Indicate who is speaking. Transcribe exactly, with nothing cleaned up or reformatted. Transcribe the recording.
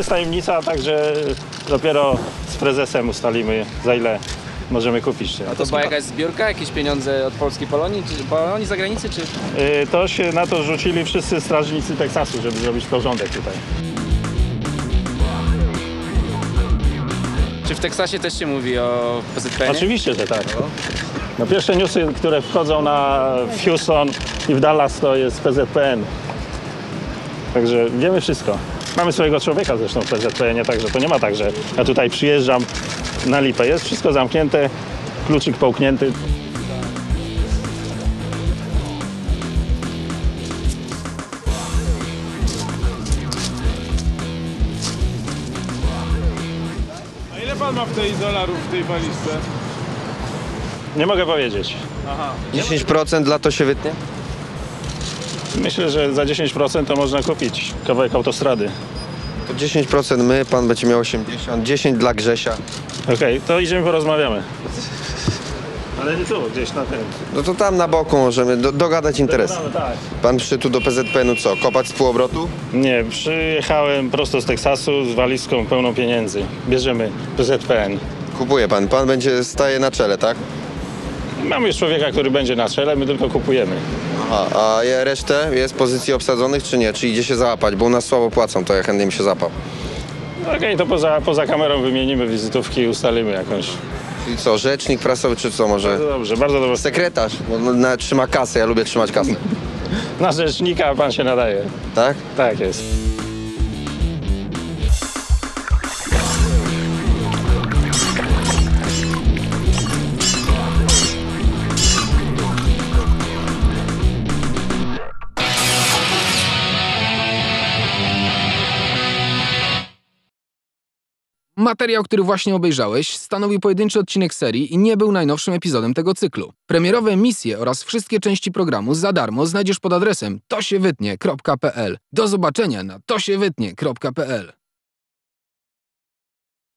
Speaker 1: jest tajemnica, także dopiero z prezesem ustalimy, za ile możemy kupić.
Speaker 2: A to była jakaś zbiórka, jakieś pieniądze od polskiej Polonii, czy Polonii zagranicy, czy?
Speaker 1: Yy, to się na to rzucili wszyscy strażnicy Teksasu, żeby zrobić porządek tutaj.
Speaker 2: Czy w Teksasie też się mówi o P Z P N-ie?
Speaker 1: Oczywiście, że tak. No, pierwsze newsy, które wchodzą na w Houston i w Dallas, to jest P Z P N. Także wiemy wszystko. Mamy swojego człowieka zresztą w P Z P N-ie, także to nie ma tak, że ja tutaj przyjeżdżam na lipę. Jest wszystko zamknięte, kluczyk połknięty.
Speaker 3: A ile pan ma w tej dolarów w tej walizce?
Speaker 1: Nie mogę powiedzieć.
Speaker 3: Aha.
Speaker 4: dziesięć procent dla to się wytnie?
Speaker 1: Myślę, że za dziesięć procent to można kupić kawałek autostrady.
Speaker 4: To dziesięć procent my, pan będzie miał osiemdziesiąt, dziesięć dla Grzesia.
Speaker 1: Okej, to idziemy porozmawiamy. Ale nie tu, gdzieś na tym.
Speaker 4: No to tam na boku możemy do, dogadać interes.
Speaker 1: Tak.
Speaker 4: Pan przyszedł tu do P Z P N-u co, kopać z półobrotu?
Speaker 1: Nie, przyjechałem prosto z Teksasu z walizką pełną pieniędzy. Bierzemy P Z P N.
Speaker 4: Kupuje pan, pan będzie staje na czele, tak?
Speaker 1: Mamy już człowieka, który będzie na czele, my tylko kupujemy.
Speaker 4: Aha, a je- resztę jest pozycji obsadzonych czy nie? Czy idzie się załapać? Bo u nas słabo płacą, to ja chętnie bym się zapał.
Speaker 1: Okej, to poza, poza kamerą wymienimy wizytówki i ustalimy jakąś.
Speaker 4: Czyli co, rzecznik prasowy czy co może?
Speaker 1: Bardzo dobrze, bardzo dobrze.
Speaker 4: Sekretarz, bo no, na, trzyma kasę, ja lubię trzymać kasę.
Speaker 1: Na rzecznika pan się nadaje.
Speaker 4: Tak?
Speaker 1: Tak jest.
Speaker 5: Materiał, który właśnie obejrzałeś, stanowi pojedynczy odcinek serii i nie był najnowszym epizodem tego cyklu. Premierowe misje oraz wszystkie części programu za darmo znajdziesz pod adresem to się wytnie kropka p l. Do zobaczenia na to się wytnie kropka p l.